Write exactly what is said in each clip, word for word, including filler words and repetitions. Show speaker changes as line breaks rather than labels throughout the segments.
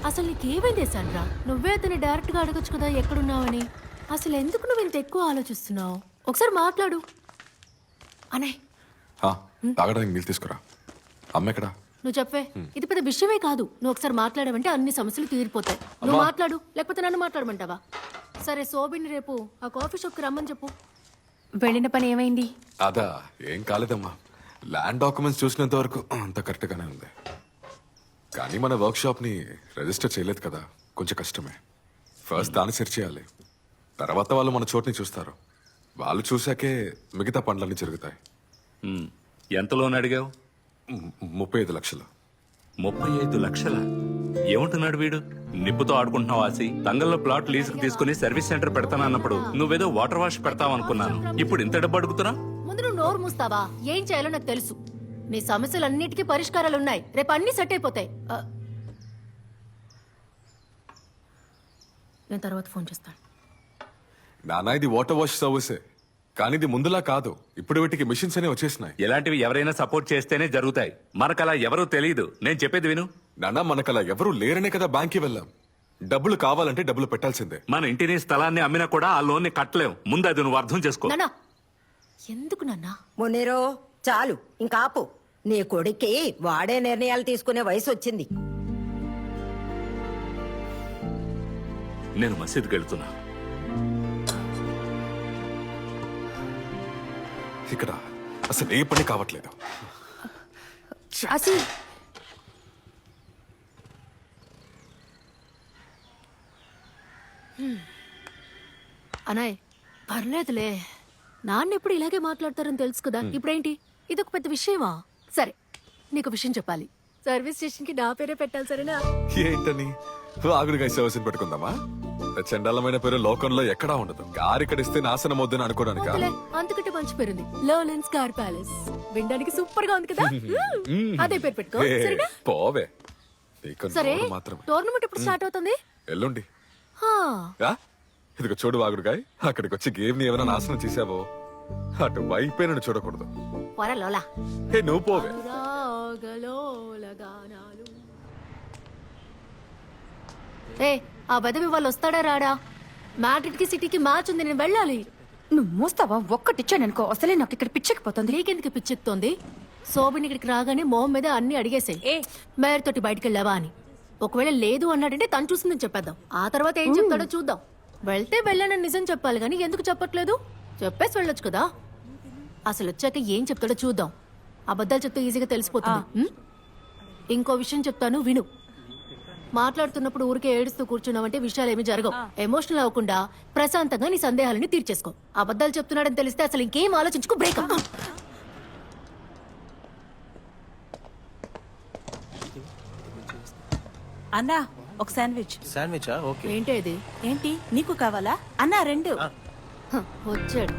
అసలు నీకేమైంది సాండ్రా? నువ్వే అతన్ని డైరెక్ట్ గా అడగొచ్చు కదా ఎక్కడున్నావని. అసలు ఎందుకు నువ్వు ఇంత ఎక్కువ ఆలోచిస్తున్నావు? ఒకసారి మాట్లాడు అనే.
ఆ, తాగడానికి నీళ్ళు తీసుకురా. అమ్మ ఎక్కడా?
నువ్వు చెప్పే, ఇది పెద్ద విషయమే కాదు. నువ్వు ఒకసారి మాట్లాడమంటే అన్ని సమస్యలు తీరిపోతాయి. నువ్వు మాట్లాడు, లేకపోతే నన్ను మాట్లాడమంటావా? సరే, శోభిని రేపు ఆ కాఫీ షాప్కి రమ్మని చెప్పు.
వెళ్ళిన పని ఏమైంది?
అదా, ఏం కాలేదమ్మా. ల్యాండ్ డాక్యుమెంట్స్ చూసినంత వరకు అంత కరెక్ట్గానే ఉంది. కానీ మన వర్క్ షాప్ని రిజిస్టర్ చేయలేదు కదా, కొంచెం కష్టమే. ఫస్ట్ దాన్ని సెర్చ్ చేయాలి, తర్వాత వాళ్ళు మన చోటుని చూస్తారు. వాళ్ళు చూశాకే మిగతా పనులన్నీ జరుగుతాయి.
ఎంత లోన్ అడిగావు?
ము- ముప్పై ఐదు లక్షలు.
ముప్పై ఐదు లక్షల ఏమంటున్నాడు వీడు? నిప్పుతో ఆడుకుంటున్నావు ఆసి. తంగల్లో ప్లాట్ లీజుకు తీసుకుని సర్వీస్ సెంటర్ పెడతానన్నప్పుడు నువ్వేదో వాటర్ వాష్ పెడతావు అనుకున్నాను. ఇప్పుడు ఇంత డబ్బు అడుగుతున్నా?
ముందు నువ్వు నోరు మూస్తావా? ఏం చేయాలో నాకు తెలుసు. నీ సమస్యలన్నిటికీ పరిష్కారాలు ఉన్నాయి. రేపు అన్ని సెట్ అయిపోతాయి. ఆ, నేను తర్వాత ఫోన్ చేస్తాను.
నానా, ఇది వాటర్ వాష్ సర్వీసే, కానీ ఇది ముందులా కాదు. ఇప్పుడు వీటికి మిషన్స్ అనే వచ్చేసినాయి.
ఇలాంటివి ఎవరైనా సపోర్ట్ చేస్తేనే జరుగుతాయి. మనకలా ఎవరూ తెలియదు. నేను చెప్పేది విను.
నానా, మనకలా ఎవరూ లేరనే కదా బ్యాంక్కి వెళ్ళాం. డబ్బులు కావాలంటే డబ్బులు పెట్టాల్సిందే.
మన ఇంటిని స్థలాన్ని అమ్మినా కూడా ఆ లోన్ని కట్టలేం. ముందు అది నువ్వు అర్థం చేసుకో.
నాన్నా, ఎందుకు నాన్నా?
మునీరో, చాలు ఇంకా ఆపు. నీ కొడుక్కి వాడే నిర్ణయాలు తీసుకునే వయసు వచ్చింది.
నేను మసీదుకి వెళ్తున్నా.
ఇక్కడ అసలు ఏ పని కావట్లేదు.
అసి
అనాయ్, పర్లేదులే. నాన్న ఎప్పుడు ఇలాగే మాట్లాడతారని తెలుసు కదా. ఇప్పుడేంటి ఇదొక పెద్ద విషయమా? సరే, నీకు విషయం చెప్పాలి. సర్వీస్ స్టేషన్ కి నా పేరే పెట్టాలి, సరేనా?
ఏంటని? ఆగుడిగా సర్వీస్ పెట్టుకుందామా? చండాలమైన పేరు లోకంలో ఎక్కడా ఉండదు. కారు ఇక్కడ ఇస్తే నాశనం వద్దని అనుకోవడానికి.
వద్దులే, అంతకంటే మంచి పేరుంది, లర్లెన్స్ కార్ ప్యాలెస్. వినడానికి సూపర్ గా ఉంది కదా. అదే పేరు పెట్టుకో, సరేనా?
పోవే, నీకు
సరే,
నోరు మాత్రమే.
టోర్నమెంట్ ఎప్పుడు స్టార్ట్ అవుతుంది?
ఎల్లుండి.
హా,
యా, ఇదిగో చూడు వాగుడుగాయ్, అక్కడికి వచ్చి గేమ్ ని ఏమైనా నాశనం చేసావో అటు వైపే నన్ను చూడకూడదు.
పోరా లోలా.
హే, నువ్వు పోవే.
అనురాగలోల గానాలు. ఏ, ఆ బదవి వాళ్ళు వస్తాడా రాడా? మ్యాడ్రిడ్ కి సిటీకి మ్యాచ్ ఉంది, నేను వెళ్ళాలి.
నువ్వు మూస్తావా? ఒక్కటిచ్చాననుకో, అసలే నాకు ఇక్కడ పిచ్చెక్కిపోతుంది.
నీకెందుకు పిచ్చెత్తోంది? శోభిని ఇక్కడికి రాగానే మొహం మీద అన్ని అడిగేసాయి. ఏ మేయర్ తోటి బయటికి వెళ్ళావా అని. ఒకవేళ లేదు అన్నాడంటే తను చూసిందని చెప్పేద్దాం. ఆ తర్వాత ఏం చెప్తాడో చూద్దాం. వెళ్తే వెళ్ళానని నిజం చెప్పాలి కానీ ఎందుకు చెప్పట్లేదు? చెప్పేసి వెళ్ళొచ్చు కదా. అసలు వచ్చాక ఏం చెప్తాడో చూద్దాం. అబద్ధాలు చెప్తే ఈజీగా తెలిసిపోతుంది. ఉం? ఇంకో విషయం చెప్తాను, విను. మాట్లాడుతున్నప్పుడు ఊరికే ఏడుస్తూ కూర్చున్నావంటే విషయాలు ఏమి జరగవు. ఎమోషనల్ అవ్వకుండా ప్రశాంతంగా నీ సందేహాలని తీర్చేసుకో. అబద్ధాలు చెప్తున్నాడని తెలిస్తే అసలు ఇంకేం ఆలోచించుకో, బ్రేకప్.
అన్నా, ఒక శాండ్విచ్.
శాండ్విచా? ఓకే.
ఏంటి ఇది?
ఏంటి నీకు కావాలా? అన్నా రెండు.
హ, వచ్చాడు.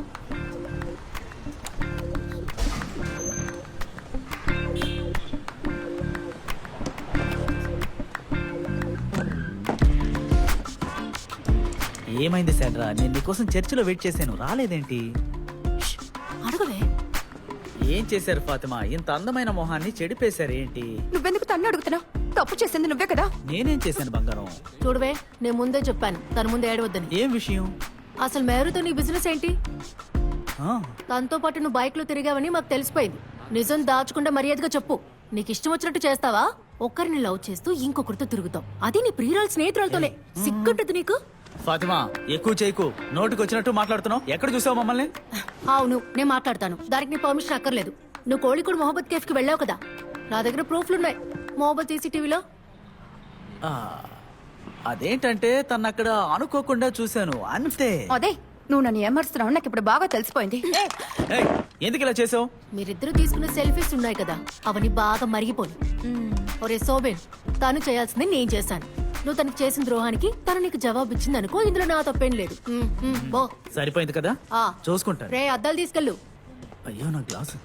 ఏమైంది శాండ్రా? నేను నీకోసం చర్చిలో వెయిట్ చేశాను, రాలేదేంటి?
అడగవే.
ఏం చేశారు ఫాతిమా? ఇంత అందమైన మొహాన్ని చెడిపేశారు ఏంటి?
నువ్వెందుకు తన్ను అడుగుతున్నావు? తప్పు చేసింది నువ్వే కదా.
నేనేం చేశాను బంగారం?
చూడవే, నేను ముందే చెప్పాను తన ముందే ఏడవద్దని.
ఏం విషయం?
అసలు మేరుతో నీ బిజినెస్ ఏంటి?
ఆ,
తనతో పాటు నువ్వు బైక్ లో తిరిగావని మాకు తెలిసిపోయింది. నిజం దాచకుండా మర్యాదగా చెప్పు. నీకు ఇష్టం వచ్చినట్టు చేస్తావా? ఒక్కరిని లవ్ చేస్తూ ఇంకొకరితో తిరుగుతావు, అది నీ ప్రియురాలు స్నేహితురాలతోనే. సిగ్గుంటుంది నీకు?
ఫాతిమా, ఎక్కువ చేయకు. నోటికి వచ్చినట్టు మాట్లాడుతున్నావు. ఎక్కడ చూసావు మమ్మల్ని?
అవును, నేను మాట్లాడతాను. దానికి నీ పర్మిషన్ అక్కర్లేదు. నువ్వు కోళికోడు మొహబ్బత్ కేఫ్ కి వెళ్ళావు కదా, నా దగ్గర ప్రూఫ్లున్నాయి. మొహబ్బత్ సీసీటీవీలో.
ఆ, అదేంటంటే తను అక్కడ అనుకోకుండా చూశాను అంతే.
అదే, నువ్వు నన్ను ఏమరుస్తున్నావు నాకు ఇప్పుడు బాగా తెలిసిపోయింది.
ఏయ్, ఎందుకు ఇలా చేసావు?
మీరిద్దరూ తీసుకున్న సెల్ఫీస్ ఉన్నాయి కదా, అవన్నీ బాగా మరిగిపోయి. ఒరే సోబెన్, తను చేయాల్సింది నేను చేశాను. నువ్వు తనకి చేసిన ద్రోహానికి తను నీకు జవాబు ఇచ్చింది అనుకో, ఇందులో నా తప్పేం లేదు. ఉమ్, ఉమ్, బో.
సరిపోయింది కదా,
ఆ.
చూసుకుంటాను.
రే, అద్దాలు తీసుకెళ్ళు.
అయ్యో, నా గ్లాసు.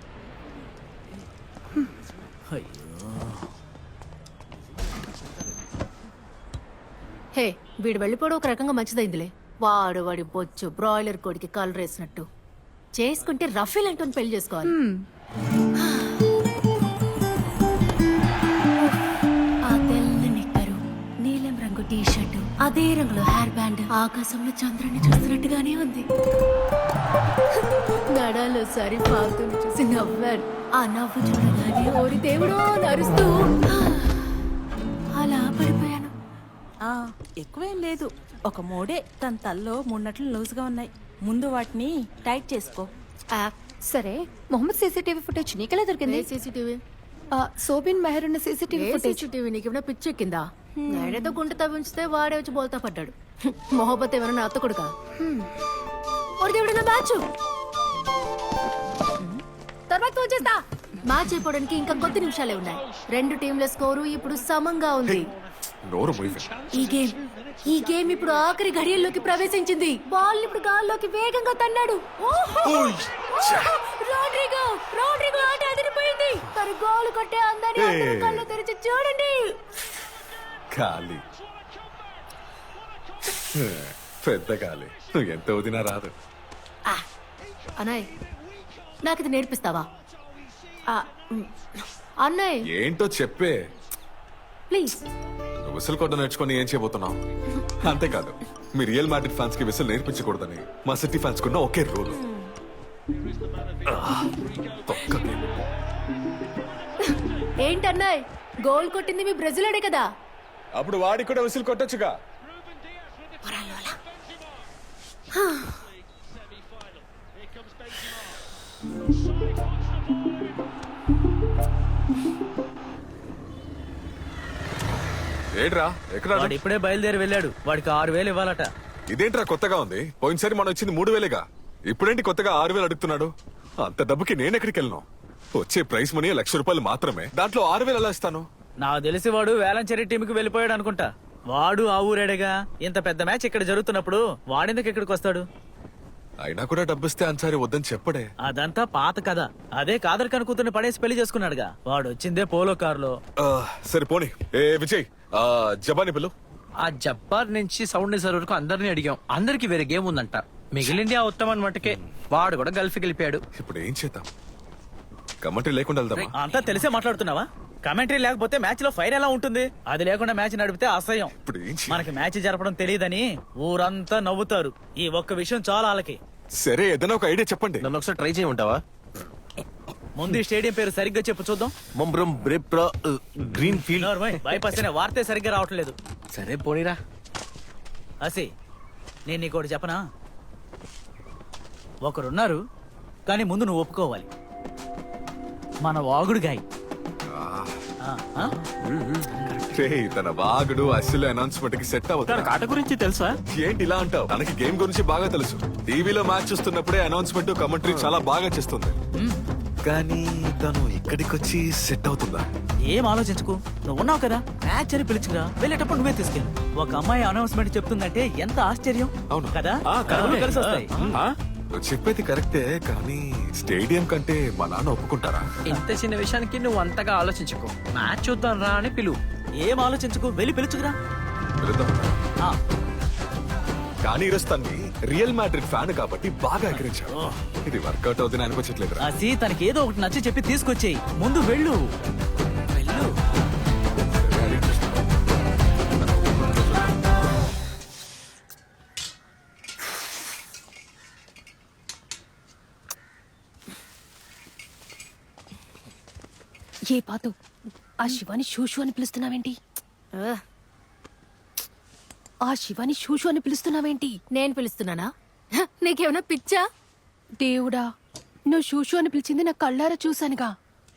అయ్యో.
హే, వీడు వెళ్ళిపోవడం ఒక రకంగా మంచిదైందిలే. వాడు వాడి బొచ్చు బ్రాయిలర్ కోడికి కలర్ వేసినట్టు. చేసుకుంటే రఫీల్ అంటూ పెళ్లి చేసుకోవాలి. ఆ తెల్ల నిక్కరు, అదే రంగులో హెయిర్ బ్యాండ్ ఆకాశంలో చంద్రుని చూస్తున్నట్టుగానే ఉంది. నడాలో సరి పాతుని చూసి నవ్వాను. ఆ నవ్వు చూడగానే ఓరి దేవుడో నరుస్తూ అలా పడిపోయాను.
ఆ, ఎక్కువేం లేదు. ఒక మూడే తన తల్లో మూడున్నట్లు లూజ్గా ఉన్నాయి. ముందు వాటిని టైట్ చేసుకో.
ఆ,
సరే మొహమ్మద్ సీసీటీవీ ఫుటేజ్ నీకెలా దొరికింది?
ఏ సీసీటీవీ
ఆ, సోబిన్ మెహర్ ఉన్న సీసీటీవీ
ఏ
ఫుటేజ్.
సీసీటీవీ నీకేమైనా పిచ్చి ఎక్కిందా? నేడేదో గుంట తవ్వించితే వాడే వచ్చి బోల్తా పడ్డాడు. మొహబ్బత్ ఏమైనా అత్త కొడుకా? ఓరి దేవుడు నా మ్యాచ్ తర్వాత వచ్చేస్తా. మ్యాచ్ అయిపోవడానికి ఇంకా కొద్ది నిమిషాలే ఉన్నాయి. రెండు టీంల స్కోరు ఇప్పుడు సమంగా ఉంది.
నోరు మూయవే.
ఈ గేమ్ ఈ గేమ్ ఇప్పుడు ఆఖరి ఘడియల్లోకి ప్రవేశించింది. బాల్ ఇప్పుడు గాల్లోకి వేగంగా తన్నాడు. ఓహో! ఓహో! రోడ్రిగో రోడ్రిగో ఆట అదిరిపోయింది. తను గోల్ కొట్టే అందాన్ని అందరూ కళ్ళు తెరిచి చూడండి.
ఖాళీ పెద్ద ఖాళీ. నువ్వు ఎంత వదినా రాదు.
ఆ, అన్నయ్ నాకు ఇది నేర్పిస్తావా? ఆ, మ్, అన్నయ్
ఏంటో చెప్పే.
ప్లీజ్.
నువ్వు విసులు కొట్ట నేర్చుకొని ఏం చేయబోతున్నావు? అంతేకాదు, మీ రియల్ మ్యాడ్రిడ్ ఫ్యాన్స్ కి విసులు నేర్పించకూడదని మా సిటీ ఫ్యాన్స్ కున్న ఒకే రూల్.
ఏంటన్నయ్ గోల్ కొట్టింది మీ బ్రెజిలోడే కదా?
అప్పుడు వాడికి కూడా విసులు కొట్టొచ్చుగా. ఏడ్రా ఎక్కడ?
వాడు ఇప్పుడే బయలుదేరి వెళ్ళాడు. వాడికి ఆరు వేలు ఇవ్వాలట.
ఇదేంట్రా కొత్తగా ఉంది? పోయినసారి మనం వచ్చింది మూడు వేలేగా. ఇప్పుడేంటి కొత్తగా ఆరు వేలు అడుగుతున్నాడు? అంత డబ్బుకి నేను ఎక్కడికి వెళ్ళను? వచ్చే ప్రైస్ మనీ లక్ష రూపాయలు మాత్రమే. దాంట్లో ఆరు వేలు ఎలా ఇస్తాను?
నాకు తెలిసి వాడు వేలంచెరి టీంకి వెళ్ళిపోయాడు అనుకుంటా. వాడు ఆ ఊరేడేగా. ఇంత పెద్ద మ్యాచ్ ఇక్కడ జరుగుతున్నప్పుడు వాడెందుకు ఇక్కడికి వస్తాడు?
అయినా కూడా డబ్బిస్తే అన్సారి వద్దని చెప్పడే.
అదంతా పాత కథ. అదే కాదర్ కను కూతుర్ని పడేసి పెళ్లి చేసుకున్నాడుగా. వాడు వచ్చిందే పోలో కారులో.
ఆ, సరే పోనీ. ఏ విజయ్, ఆ జబాని పిల్లు.
ఆ జబ్బార్ నుంచి సౌండ్ నిజర్ వరకు అందరినీ అడిగాం. అందరికి వేరే గేమ్ ఉందంట. మిగిలింది ఆ ఉత్తమన్ మటుకే. వాడు కూడా గల్ఫ్కి వెళ్ళిపోయాడు.
ఇప్పుడు ఏం చేద్దాం? కమెంటరీ లేకుండా వెళ్దామా?
అంతా తెలిసే మాట్లాడుతున్నావా? కమెంటరీ లేకపోతే మ్యాచ్ లో ఫైర్ ఎలా ఉంటుంది? అది లేకుండా మ్యాచ్ నడిపితే అసహ్యం.
ఇప్పుడు ఏం చేయాలి?
మనకి మ్యాచ్ జరపడం తెలియదని ఊరంతా నవ్వుతారు. ఈ ఒక్క విషయం చాలా వాళ్ళకి.
సరే ఏదైనా ఒక ఐడియా చెప్పండి.
నన్ను ఒకసారి ట్రై చేయమంటావా?
ముందు ఈ స్టేడియం పేరు సరిగ్గా చెప్పు చూద్దాం.
మొంబ్రం బ్రెప్రా గ్రీన్ ఫీల్డ్.
బైపాస్ అనే వార్తే సరిగ్గా రావట్లేదు.
సరే పోనీరా.
అసి నేను నీకోటి చెప్పనా? ఒకరున్నారు, కానీ ముందు నువ్వు ఒప్పుకోవాలి. మన వాగుడు గాయ్. ఆ, ఆ?
రేయ్, తన వాగుడు అసలు అనౌన్స్మెంట్ కి సెట్ అవుతుంది.
కాట గురించి తెలుసా?
ఏంటి ఇలా అంటావు? తనకి గేమ్ గురించి బాగా తెలుసు. టీవీలో మ్యాచ్ చూస్తున్నప్పుడే అనౌన్స్మెంట్ కమెంటరీ చాలా బాగా చేస్తుంది. కానీ తను ఇక్కడికి వచ్చి సెట్ అవుతుందా?
ఏం ఆలోచించుకు. నువ్వు ఉన్నావు కదా, మ్యాచ్ అని పిలుచుకురా. వెళ్ళేటప్పుడు నువ్వే తీసుకెళ్ళు. ఒక అమ్మాయి అనౌన్స్మెంట్ చెప్తుందంటే ఎంత ఆశ్చర్యం.
అవును
కదా?
ఆ, కరెక్టే.
కలిసి వస్తాయి.
ఆ, నువ్వు చెప్పేది కరెక్టే, కానీ స్టేడియం కంటే మా నాన్న ఒప్పుకుంటారా?
ఇంత చిన్న విషయానికి నువ్వు అంతగా ఆలోచించుకో. మ్యాచ్ చూద్దాం రా అని పిలువు.
ఏం ఆలోచించుకు, వెళ్ళి పిలుచుకురా.
వెళదాం.
ఆ,
కానీ ఈరోజు తన్ని రియల్ మ్యాడ్రిడ్ ఫ్యాన్ కాబట్టి బాగా ఎగిరించావు. ఇది వర్కౌట్ అవుతుంది అనిపించట్లేదు.
అసి తనకి ఏదో ఒకటి నచ్చి చెప్పి తీసుకొచ్చేయి. ముందు వెళ్ళు వెళ్ళు.
ఏ పాతు ఆ శివాని షూషు అని పిలుస్తున్నావేంటి?
ఆ,
ఆ శివాని షూషు అని పిలుస్తున్నావేంటి?
నేను పిలుస్తున్నానా? హ, నీకేమైనా పిచ్చా?
దేవుడా, నువ్వు షూషు అని పిలిచింది నా కళ్ళారా చూశానుగా.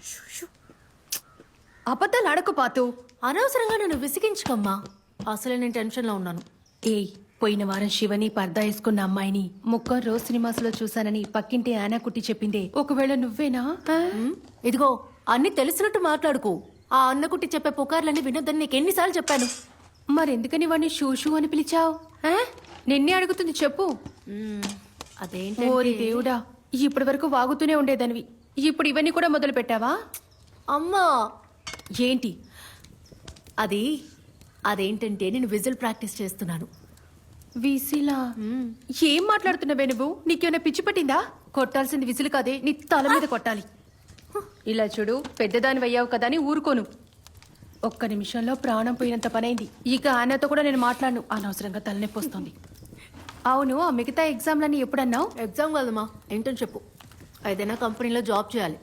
అబద్ధాలు ఆడకు పాతు.
అనవసరంగా నన్ను విసిగించుకోమ్మా. అసలే నేను టెన్షన్ లో ఉన్నాను.
ఏయ్, పోయిన వారం శివని పర్దా వేసుకున్న అమ్మాయిని ముక్క రోజు సినిమాస్ లో చూశానని పక్కింటి ఆనా కుట్టి చెప్పిందే. ఒకవేళ నువ్వేనా? ఆ?
ఉమ్, ఇదిగో అన్ని తెలిసినట్టు మాట్లాడుకో. ఆ అన్నకుట్టి చెప్పే పుకార్లన్నీ వినొద్దని నీకు ఎన్నిసార్లు చెప్పాను?
మరెందుకని వాడిని షూషు అని పిలిచావు? నిన్నే అడుగుతుంది, చెప్పు.
అదేంటి
ఓరి దేవుడా, ఇప్పటి వరకు వాగుతూనే ఉండేదానివి, ఇప్పుడు ఇవన్నీ కూడా మొదలు పెట్టావా?
అమ్మా,
ఏంటి
అది అదేంటంటే నేను విజిల్ ప్రాక్టీస్ చేస్తున్నాను.
విసిలా? ఏం మాట్లాడుతున్నావే నువ్వు? నీకేమైనా పిచ్చి పట్టిందా? కొట్టాల్సింది విసిలు కాదే, నీ తల మీద కొట్టాలి. ఇలా చూడు, పెద్దదాని అయ్యావు కదా అని ఊరుకోను. ఒక్క నిమిషంలో ప్రాణం పోయినంత పనైంది. ఇక ఆయనతో కూడా నేను మాట్లాడను, అనవసరంగా తలనొప్పి వస్తుంది. అవును, ఆ మిగతా ఎగ్జామ్లన్నీ ఎప్పుడన్నావు?
ఎగ్జామ్ కాదమ్మా, ఇంటర్న్షిప్. ఏదైనా కంపెనీలో జాబ్ చేయాలి.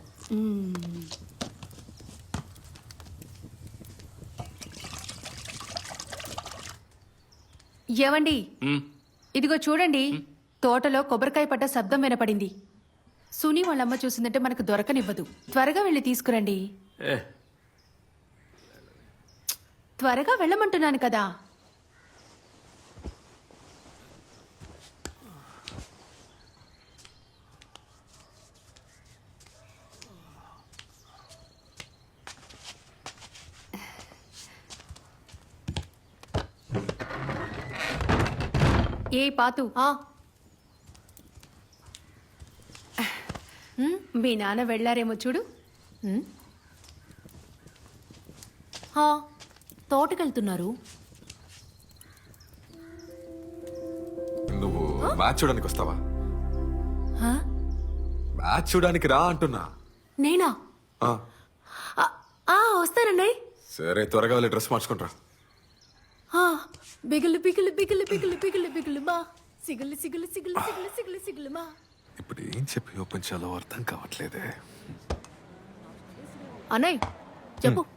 ఏవండి,
మ్,
ఇదిగో చూడండి, తోటలో కొబ్బరికాయ పడ్డ శబ్దం వినపడింది. సునీ వాళ్ళమ్మ చూసిందంటే మనకు దొరకనివ్వదు. త్వరగా వెళ్ళి తీసుకురండి.
ఏ,
త్వరగా వెళ్ళమంటున్నాను కదా. ఏ పాతు,
ఆ,
మీ నాన్న వెళ్ళారేమో చూడు.
ఉమ్. హా, తోటకెళ్తున్నారు.
నువ్వు మ్యాచ్ చూడడానికి వస్తావా?
హా?
మ్యాచ్ చూడడానికి రా అంటున్నా.
నేనా?
ఆ,
ఆ, ఆ, వస్తానండి.
సరే త్వరగా వెళ్ళి డ్రెస్ మార్చుకుంటారా.
ఆ, బిగులు బిగులు బిగులు బిగులు బిగులు బిగులు మా సిగులు సిగులు సిగులు సిగులు సిగులు సిగులు మా.
ఇప్పుడు ఏం చెప్పి ఓపెన్ చేయాలో అర్థం కావట్లేదే.
అన్నయ్య చెప్పు.